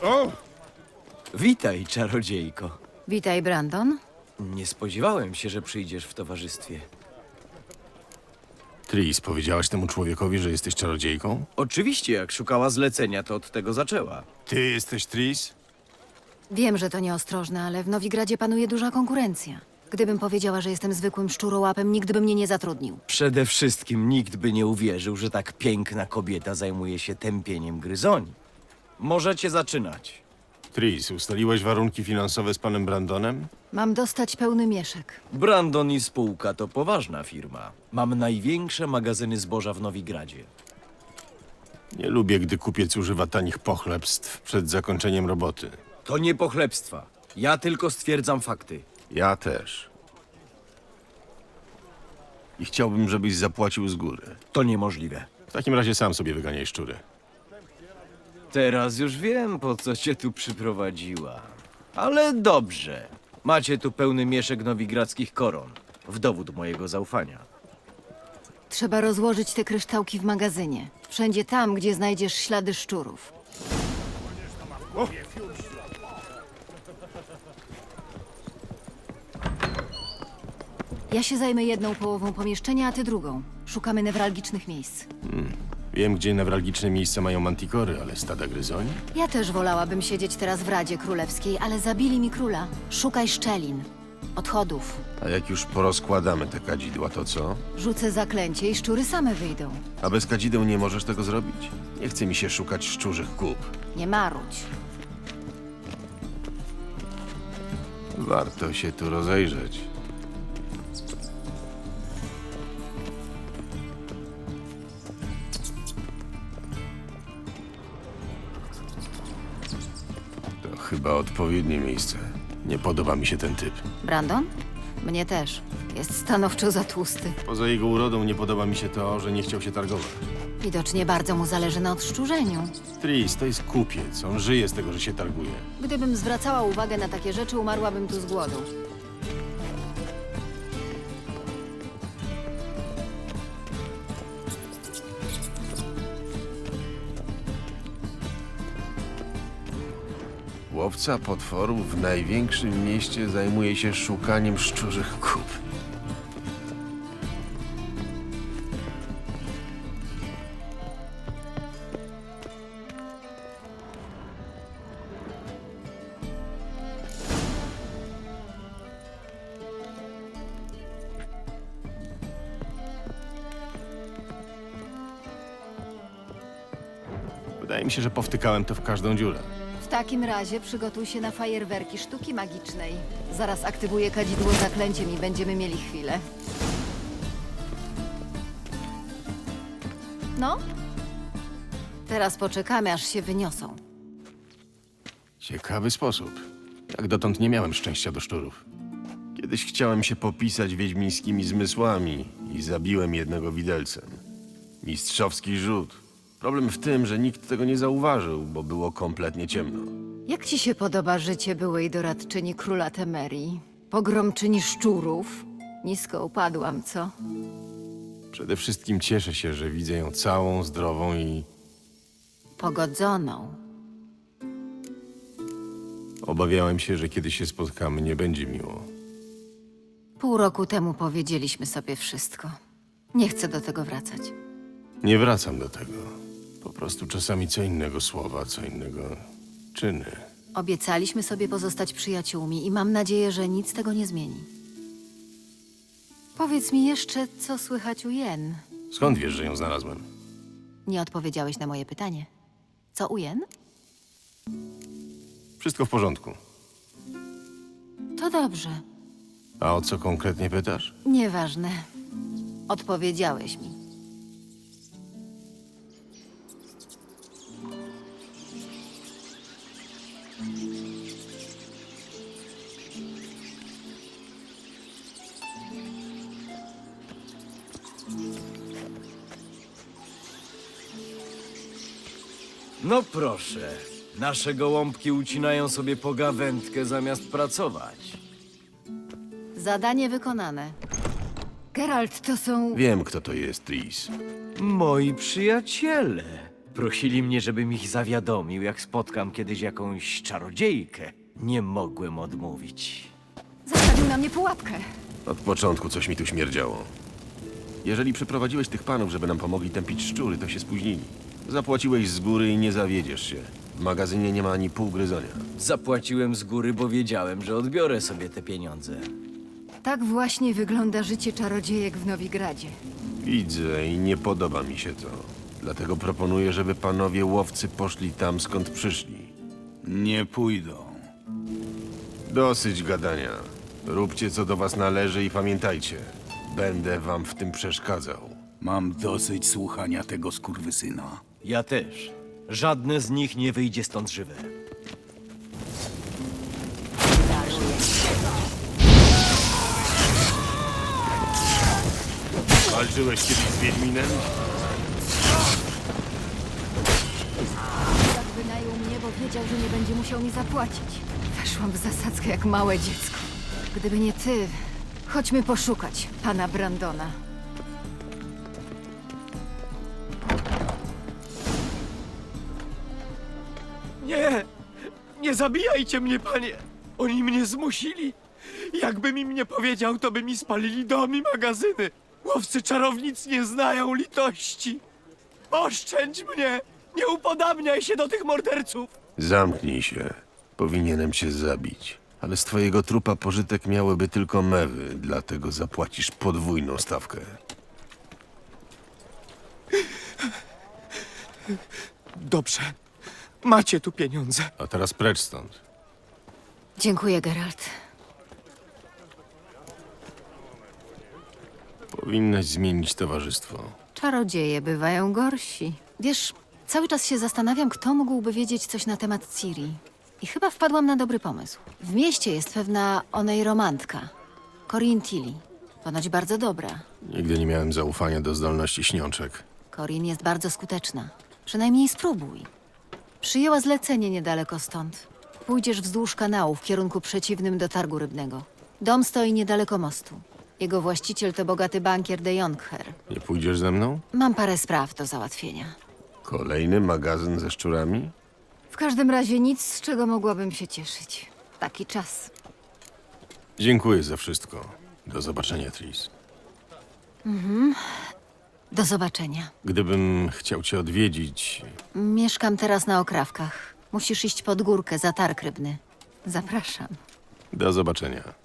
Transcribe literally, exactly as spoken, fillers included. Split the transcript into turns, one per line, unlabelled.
O! Witaj, czarodziejko.
Witaj, Brandon.
Nie spodziewałem się, że przyjdziesz w towarzystwie.
Tris, powiedziałaś temu człowiekowi, że jesteś czarodziejką?
Oczywiście, jak szukała zlecenia, to od tego zaczęła.
Ty jesteś Tris?
Wiem, że to nieostrożne, ale w Nowigradzie panuje duża konkurencja. Gdybym powiedziała, że jestem zwykłym szczurołapem, nikt by mnie nie zatrudnił.
Przede wszystkim nikt by nie uwierzył, że tak piękna kobieta zajmuje się tępieniem gryzoni. Możecie zaczynać.
Tris, ustaliłeś warunki finansowe z panem Brandonem?
Mam dostać pełny mieszek.
Brandon i spółka to poważna firma. Mam największe magazyny zboża w Nowigradzie.
Nie lubię, gdy kupiec używa tanich pochlebstw przed zakończeniem roboty.
To nie pochlebstwa. Ja tylko stwierdzam fakty.
Ja też. I chciałbym, żebyś zapłacił z góry.
To niemożliwe.
W takim razie sam sobie wyganiaj szczury.
Teraz już wiem, po co cię tu przyprowadziła. Ale dobrze. Macie tu pełny mieszek nowigradzkich koron. W dowód mojego zaufania.
Trzeba rozłożyć te kryształki w magazynie. Wszędzie tam, gdzie znajdziesz ślady szczurów. Ja się zajmę jedną połową pomieszczenia, a ty drugą. Szukamy newralgicznych miejsc.
Wiem, gdzie newralgiczne miejsca mają mantikory, ale stada gryzoni?
Ja też wolałabym siedzieć teraz w Radzie Królewskiej, ale zabili mi króla. Szukaj szczelin, odchodów.
A jak już porozkładamy te kadzidła, to co?
Rzucę zaklęcie i szczury same wyjdą.
A bez kadzideł nie możesz tego zrobić? Nie chce mi się szukać szczurzych kup.
Nie marudź.
Warto się tu rozejrzeć. To chyba odpowiednie miejsce. Nie podoba mi się ten typ.
Brandon? Mnie też. Jest stanowczo za tłusty.
Poza jego urodą nie podoba mi się to, że nie chciał się targować.
Widocznie bardzo mu zależy na odszczurzeniu.
Tris, to jest kupiec. On żyje z tego, że się targuje.
Gdybym zwracała uwagę na takie rzeczy, umarłabym tu z głodu.
Łowca potworów w największym mieście zajmuje się szukaniem szczurzych kup. Wydaje mi się, że powtykałem to w każdą dziurę.
W takim razie przygotuj się na fajerwerki sztuki magicznej. Zaraz aktywuję kadzidło zaklęciem i będziemy mieli chwilę. No? Teraz poczekamy, aż się wyniosą.
Ciekawy sposób. Jak dotąd nie miałem szczęścia do szczurów. Kiedyś chciałem się popisać wiedźmińskimi zmysłami i zabiłem jednego widelcem. Mistrzowski rzut. Problem w tym, że nikt tego nie zauważył, bo było kompletnie ciemno.
Jak ci się podoba życie byłej doradczyni króla Temerii? Pogromczyni szczurów? Nisko upadłam, co?
Przede wszystkim cieszę się, że widzę ją całą, zdrową i
Pogodzoną.
obawiałem się, że kiedy się spotkamy, nie będzie miło.
Pół roku temu powiedzieliśmy sobie wszystko. Nie chcę do tego wracać.
Nie wracam do tego. Po prostu czasami co innego słowa, co innego czyny.
Obiecaliśmy sobie pozostać przyjaciółmi i mam nadzieję, że nic tego nie zmieni. Powiedz mi jeszcze, co słychać u Jen.
Skąd wiesz, że ją znalazłem?
Nie odpowiedziałeś na moje pytanie. Co u Jen?
Wszystko w porządku.
To dobrze.
A o co konkretnie pytasz?
Nieważne. Odpowiedziałeś mi.
No proszę. Nasze gołąbki ucinają sobie pogawędkę zamiast pracować.
Zadanie wykonane. Geralt, to są...
Wiem, kto to jest, Tris.
Moi przyjaciele. Prosili mnie, żebym ich zawiadomił, jak spotkam kiedyś jakąś czarodziejkę. Nie mogłem odmówić.
Zastawił na mnie pułapkę.
Od początku coś mi tu śmierdziało. Jeżeli przyprowadziłeś tych panów, żeby nam pomogli tępić szczury, to się spóźnili. Zapłaciłeś z góry i nie zawiedziesz się. W magazynie nie ma ani pół gryzonia.
Zapłaciłem z góry, bo wiedziałem, że odbiorę sobie te pieniądze.
Tak właśnie wygląda życie czarodziejek w Nowigradzie.
Widzę i nie podoba mi się to. Dlatego proponuję, żeby panowie łowcy poszli tam, skąd przyszli.
Nie pójdą.
Dosyć gadania. Róbcie, co do was należy i pamiętajcie. Będę wam w tym przeszkadzał.
Mam dosyć słuchania tego skurwysyna.
Ja też. Żadne z nich nie wyjdzie stąd żywe.
Walczyłeś kiedyś z Wiedźminem?
Tak wynajął mnie, bo wiedział, że nie będzie musiał mi zapłacić. Weszłam w zasadzkę jak małe dziecko. Gdyby nie ty, chodźmy poszukać pana Brandona.
Nie! Nie zabijajcie mnie, panie! Oni mnie zmusili! Jakbym im nie powiedział, to by mi spalili dom i magazyny! Łowcy czarownic nie znają litości! Oszczędź mnie! Nie upodabniaj się do tych morderców!
Zamknij się. Powinienem cię zabić. Ale z twojego trupa pożytek miałyby tylko mewy, dlatego zapłacisz podwójną stawkę.
Dobrze. Macie tu pieniądze.
A teraz precz stąd.
Dziękuję, Geralt.
Powinnaś zmienić towarzystwo.
Czarodzieje bywają gorsi. Wiesz, cały czas się zastanawiam, kto mógłby wiedzieć coś na temat Ciri. I chyba wpadłam na dobry pomysł. W mieście jest pewna onejromantka. Corinne Tilly. Ponoć bardzo dobra.
Nigdy nie miałem zaufania do zdolności śniączek.
Corinne jest bardzo skuteczna. Przynajmniej spróbuj. Przyjęła zlecenie niedaleko stąd. Pójdziesz wzdłuż kanału w kierunku przeciwnym do targu rybnego. Dom stoi niedaleko mostu. Jego właściciel to bogaty bankier de Jonkher.
Nie pójdziesz ze mną?
Mam parę spraw do załatwienia.
Kolejny magazyn ze szczurami?
W każdym razie nic, z czego mogłabym się cieszyć. Taki czas.
Dziękuję za wszystko. Do zobaczenia, Tris.
Do zobaczenia.
Gdybym chciał cię odwiedzić,
Mieszkam teraz na Okrawkach. Musisz iść pod górkę za targ rybny. Zapraszam.
do zobaczenia.